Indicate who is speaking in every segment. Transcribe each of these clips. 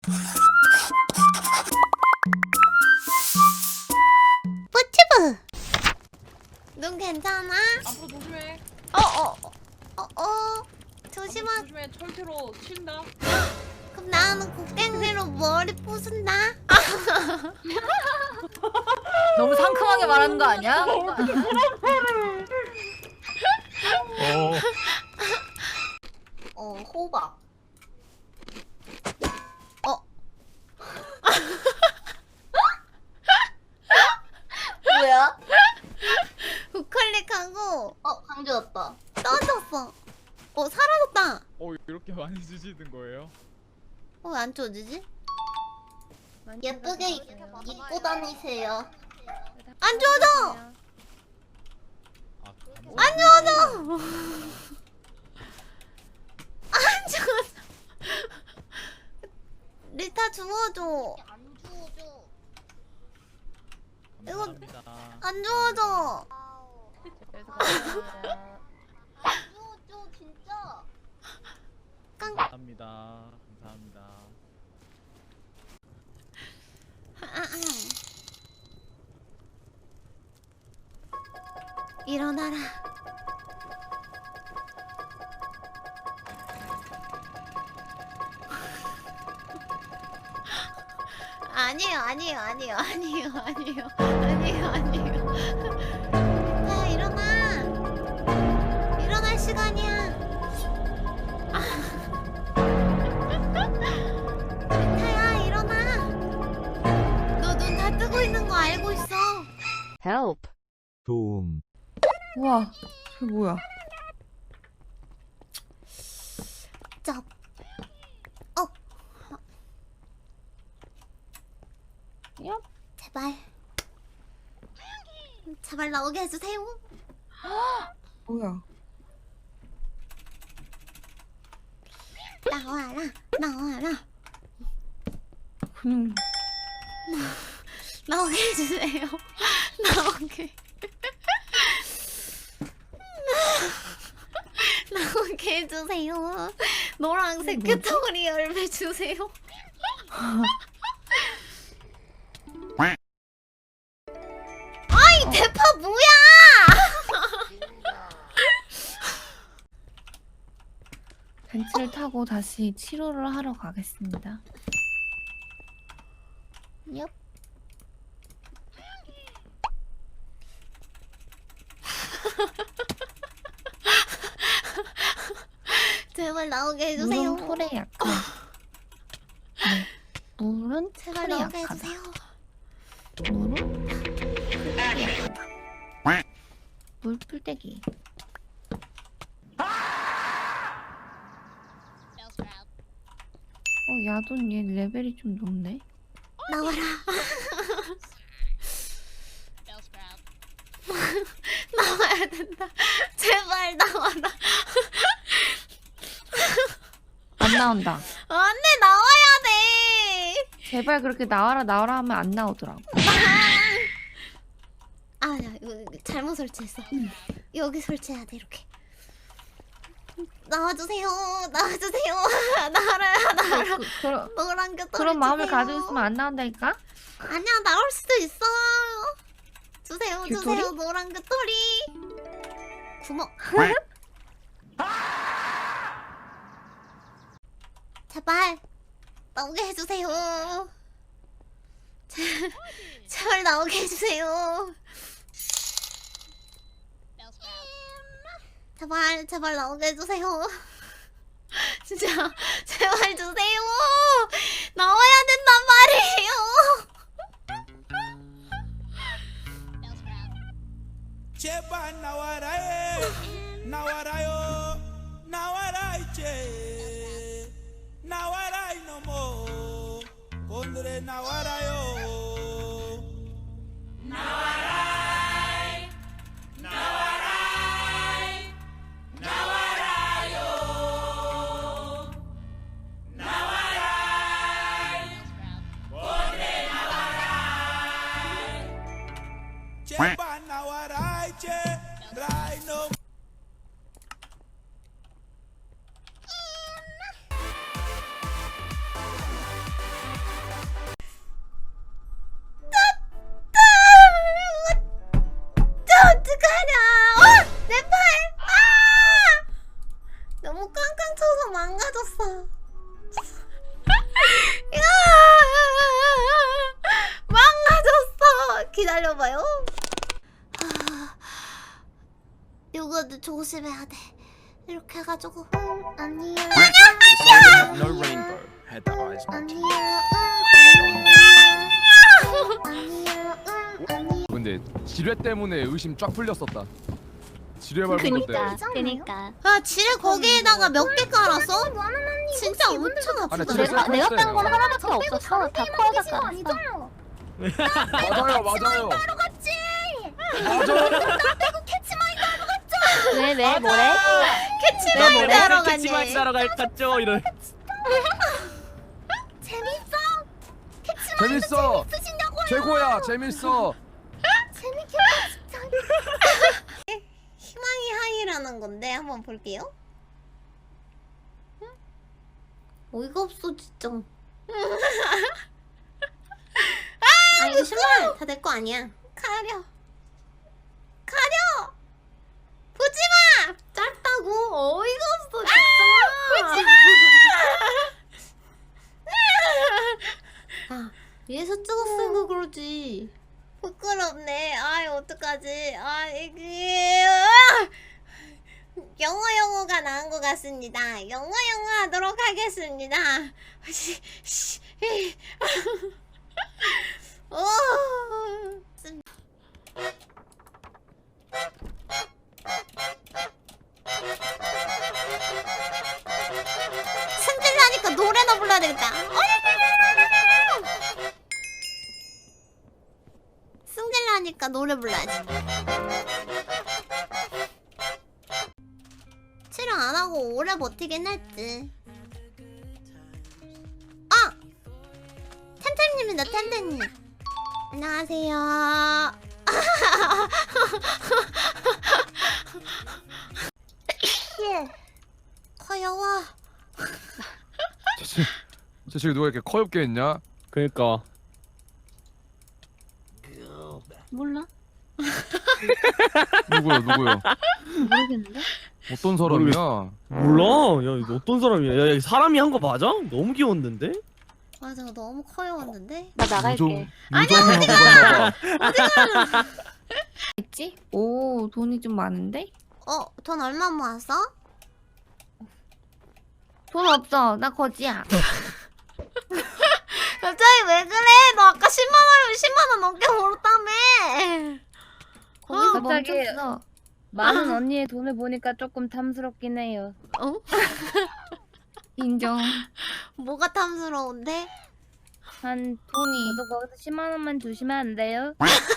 Speaker 1: 뿌튜브! 눈 괜찮아?
Speaker 2: 앞으로 조심해.
Speaker 1: 조심하.
Speaker 2: 조심해. 철퇴로 친다.
Speaker 1: 그럼 나는 곡괭이로 머리 부순다.
Speaker 3: 너무 상큼하게 말하는 거 아니야?
Speaker 1: 호박.
Speaker 4: 뭐야?
Speaker 1: 우클릭하고
Speaker 4: 강주 왔다.
Speaker 1: 떠졌어. 사라졌다.
Speaker 5: 이렇게 많이 주시는 거예요?
Speaker 1: 왜 안 쳐지지?
Speaker 4: 예쁘게 입고 다니세요.
Speaker 1: 안 줘져!
Speaker 5: 아,
Speaker 1: 안 줘져! 안 줘져! 리타 주워줘.
Speaker 4: 안 주워줘.
Speaker 5: 감사합니다.
Speaker 1: 안 주워줘.
Speaker 4: 안 주워줘 진짜.
Speaker 5: 감사합니다. 감사합니다.
Speaker 1: 일어나라. 아니에요. 야, 일어나. 일어날 시간이야. 타야, 일어나. 너 눈 다 뜨고 있는 거 알고 있어.
Speaker 6: Help.
Speaker 7: 도움.
Speaker 3: 우와, 저게 뭐야?
Speaker 1: 쩝.
Speaker 3: 얍.
Speaker 1: 제발 나오게 해주세요.
Speaker 3: 뭐야?
Speaker 1: 나와라.
Speaker 3: 그냥
Speaker 1: 나오게 해주세요. 나오게. 나오게 해주세요. 노란색 큐토리 열매 주세요. 아이 대파 뭐야?
Speaker 3: 벤츠를 타고 다시 치료를 하러 가겠습니다. 얍.
Speaker 1: 제발 나오게 해주세요.
Speaker 3: 물은 풀에 약한. 네. 물은
Speaker 1: 제발
Speaker 3: 풀에
Speaker 1: 나오게
Speaker 3: 약하다.
Speaker 1: 해주세요.
Speaker 3: 물은 풀에 약하다. 물 풀떼기. 야돈 얘 레벨이 좀 높네.
Speaker 1: 나와라. 나와야 된다. 제발 나와라.
Speaker 3: 안 나온다.
Speaker 1: 안돼 나와야 돼.
Speaker 3: 제발 그렇게 나와라 하면 안 나오더라고.
Speaker 1: 아야 이거 잘못 설치했어. 여기 설치해야 돼 이렇게. 나와주세요. 나와라. 노란 게
Speaker 3: 그런 마음을 가지고 있으면 안 나온다니까?
Speaker 1: 아니야 나올 수도 있어. 주세요
Speaker 3: 귤토리?
Speaker 1: 노란 귤토리. 구멍. 제발 나오게 해주세요. 제발 나오게 해주세요. 제발 나오게 해주세요. 진짜 제발 주세요. 나와야 된단 말이에요.
Speaker 8: 제발 나와라 나와라요 나와라 이제 나와라 이놈어 오늘의 나와라요 나와라 제발 나와라 이제 라이노
Speaker 1: 기다려봐요. 이거도 조심해야 돼. 이렇게 해가지고. 아니야.
Speaker 6: No rainbow had the eyes not
Speaker 7: 근데 지뢰 때문에 의심 쫙 풀렸었다. 지뢰 밟은 건데.
Speaker 4: 그니까.
Speaker 1: 아, 지뢰 거기에다가 몇 개 깔았어? 진짜 엄청
Speaker 7: 아니,
Speaker 1: 아프다.
Speaker 7: 지뢰
Speaker 4: 내가
Speaker 7: 뺐어요.
Speaker 4: 뺀 건 하나밖에 없었어. 다 코어가 깔았어.
Speaker 7: 맞아요, 맞아요.
Speaker 4: 왜 뭐래?
Speaker 1: 캐치마인 하러 가네.
Speaker 6: 캐치마이 따러 갔죠 이런.
Speaker 7: 재밌어. 최고야, 재밌어.
Speaker 1: 희망이 하이라는 건데 한번 볼게요. 어이가 없어 진짜. 아 이거 신발 다 내 거 아니야. 가려. 가려. 보지마. 짧다고. 어이가 없어 진짜. 보지마. 아 위에서 찍었으니까 그러지. 부끄럽네. 아이 어떡하지. 아 이게 영어가 나은 것 같습니다. 영어 하도록 하겠습니다. 오. 승질나니까 노래나 불러야 되겠다. 승질나니까 노래 불러야지. 촬영 안 하고 오래 버티긴 했지. 아! 텐텐님이다, 텐텐님. 안녕하세요. 예. 커요워.
Speaker 7: 쟤 누가 이렇게 커엽게 했냐?
Speaker 6: 그러니까.
Speaker 4: 몰라?
Speaker 7: 누구요?
Speaker 4: 모르겠는데?
Speaker 7: 어떤 사람이야?
Speaker 6: 몰라. 야 이거 어떤 사람이야? 야, 야 사람이 한 거 맞아? 너무 귀여웠는데?
Speaker 1: 맞아, 너무 커요웠는데.
Speaker 4: 나 나갈게.
Speaker 7: 무정하고 갔나봐.
Speaker 3: 있지? 오, 돈이 좀 많은데?
Speaker 1: 돈 얼마 모았어?
Speaker 3: 돈 없어. 나 거지야.
Speaker 1: 갑자기 왜 그래? 너 아까 10만 원 넘게 벌었다며.
Speaker 3: 거기서
Speaker 9: 갑자기
Speaker 3: 멈췄어.
Speaker 9: 많은 언니의 돈을 보니까 조금 탐스럽긴 해요.
Speaker 3: 인정.
Speaker 1: 뭐가 탐스러운데?
Speaker 9: 한
Speaker 3: 돈이.
Speaker 9: 저도 거기서 10만 원만 주시면 안 돼요?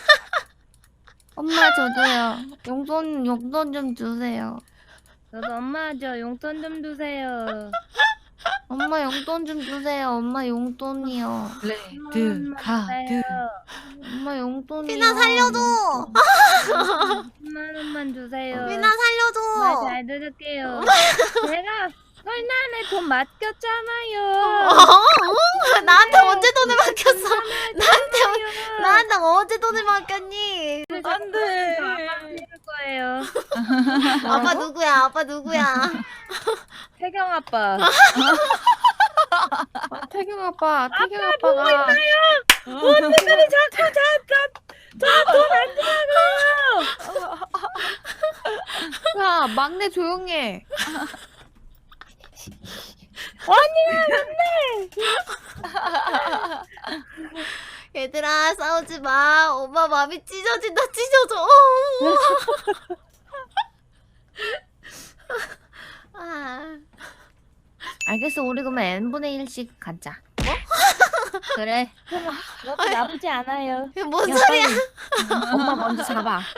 Speaker 3: 엄마 저도요. 용돈 좀 주세요.
Speaker 9: 저도 엄마 저 용돈 좀 주세요.
Speaker 3: 엄마 용돈 좀 주세요. 엄마 용돈이요.
Speaker 9: 레드 카드.
Speaker 3: 엄마 용돈이요.
Speaker 1: 피나 살려줘.
Speaker 9: 10만 원만 주세요.
Speaker 1: 피나 살려줘.
Speaker 9: 말 잘 들을게요. 제가 설날에 돈 맡겼잖아요.
Speaker 1: 나한테 언제 돈을 맡겼어? 나한테 언제 돈을 맡겼니?
Speaker 9: 안 돼. 드릴 거예요.
Speaker 1: 아빠 누구야? 아빠 누구야?
Speaker 9: 태경 아빠.
Speaker 3: 태경 아빠가.
Speaker 9: 어떻게 자꾸 저돈 주라고.
Speaker 3: 야, 막내 조용해.
Speaker 1: 얘들아 싸우지 마. 엄마 마음이 찢어진다. 찢어져. 아.
Speaker 3: 알겠어. 우리 그러면 n분의 1씩 가자.
Speaker 1: 뭐?
Speaker 3: 그래.
Speaker 9: 그것도 나쁘지 않아요.
Speaker 1: 이게 뭔
Speaker 3: 야,
Speaker 1: 소리야?
Speaker 3: 빨리. 엄마 먼저 잡아.
Speaker 1: 야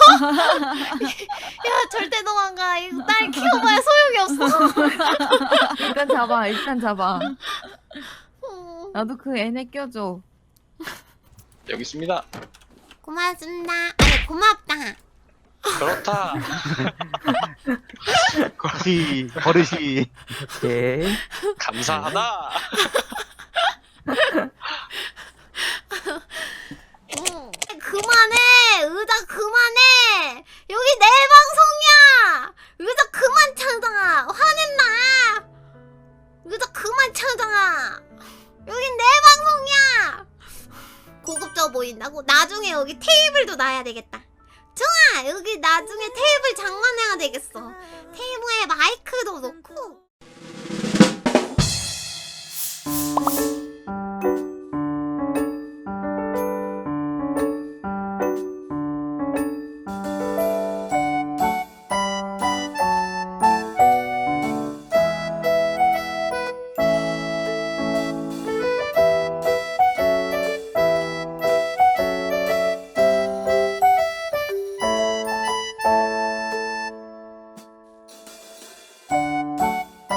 Speaker 1: 절대 도망가. 이거 딸 키워봐야 소용이 없어.
Speaker 3: 일단 잡아. 나도 그 애네 껴줘.
Speaker 10: 여기 있습니다.
Speaker 1: 고맙습니다. 아니 고맙다.
Speaker 10: 그렇다.
Speaker 6: 버릇이. 오케이.
Speaker 10: 감사하다.
Speaker 1: 그만해. 의자 그만해. 여기 내 방송이야. 의자 그만 창당아. 화낸다. 의자 그만 창당아. 여긴 내 방송이야. 고급져 보여. 보인다고? 나중에 여기 테이블도 놔야 되겠다. 좋아! 여기 나중에 테이블 장만해야 되겠어. 테이블에 마이크도 놓고